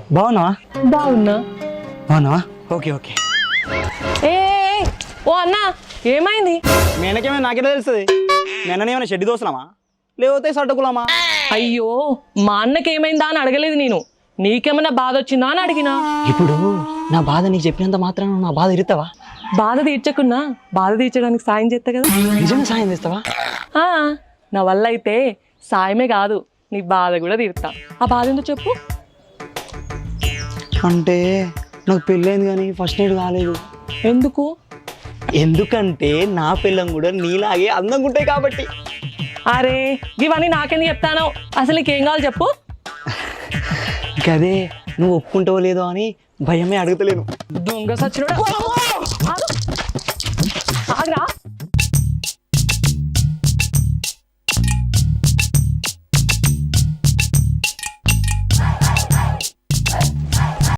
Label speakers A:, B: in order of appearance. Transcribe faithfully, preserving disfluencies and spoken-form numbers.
A: బాగున్నావా?
B: బాగున్నా.
A: బాగున్నావా? Okay okay.
B: ఏ ఏ, ఓ అన్న ఏమైంది?
A: మీ అన్నకేమైనా నాకెలా తెలుస్తుంది? మీ అన్నని ఏమైనా షెడ్డి దోస్తున్నామా లేకపోతే సడ్డకులామా?
B: అయ్యో మా అన్నకి ఏమైందా అని అడగలేదు నేను, నీకేమైనా బాధ వచ్చిందా అని అడిగినా.
A: ఇప్పుడు నా బాధ నీకు చెప్పినంత మాత్రం నా బాధ ఇరుతావా?
B: బాధ తీర్చకున్నా బాధ తీర్చడానికి సాయం చేస్తా కదా.
A: నిజంగా సాయం చేస్తావా?
B: ఆ, నా వల్ల అయితే సాయమే కాదు నీ బాధ కూడా తీరుతా. ఆ బాధ ఎందుకు చెప్పు?
A: అంటే నాకు పెళ్ళైంది కానీ ఫస్ట్ నైట్ కాలేదు.
B: ఎందుకు?
A: ఎందుకంటే నా పిల్లం కూడా నీలాగే అందంగా ఉంటాయి కాబట్టి.
B: అరే ఇవన్నీ నాకెందుకు చెప్తాను, అసలు నీకేం కావాలి చెప్పు.
A: గదే నువ్వు ఒప్పుకుంటావో లేదో అని భయమే అడుగుతలేను.
B: దొంగ సచ్చినోడా. ఆగు. ఆగురా.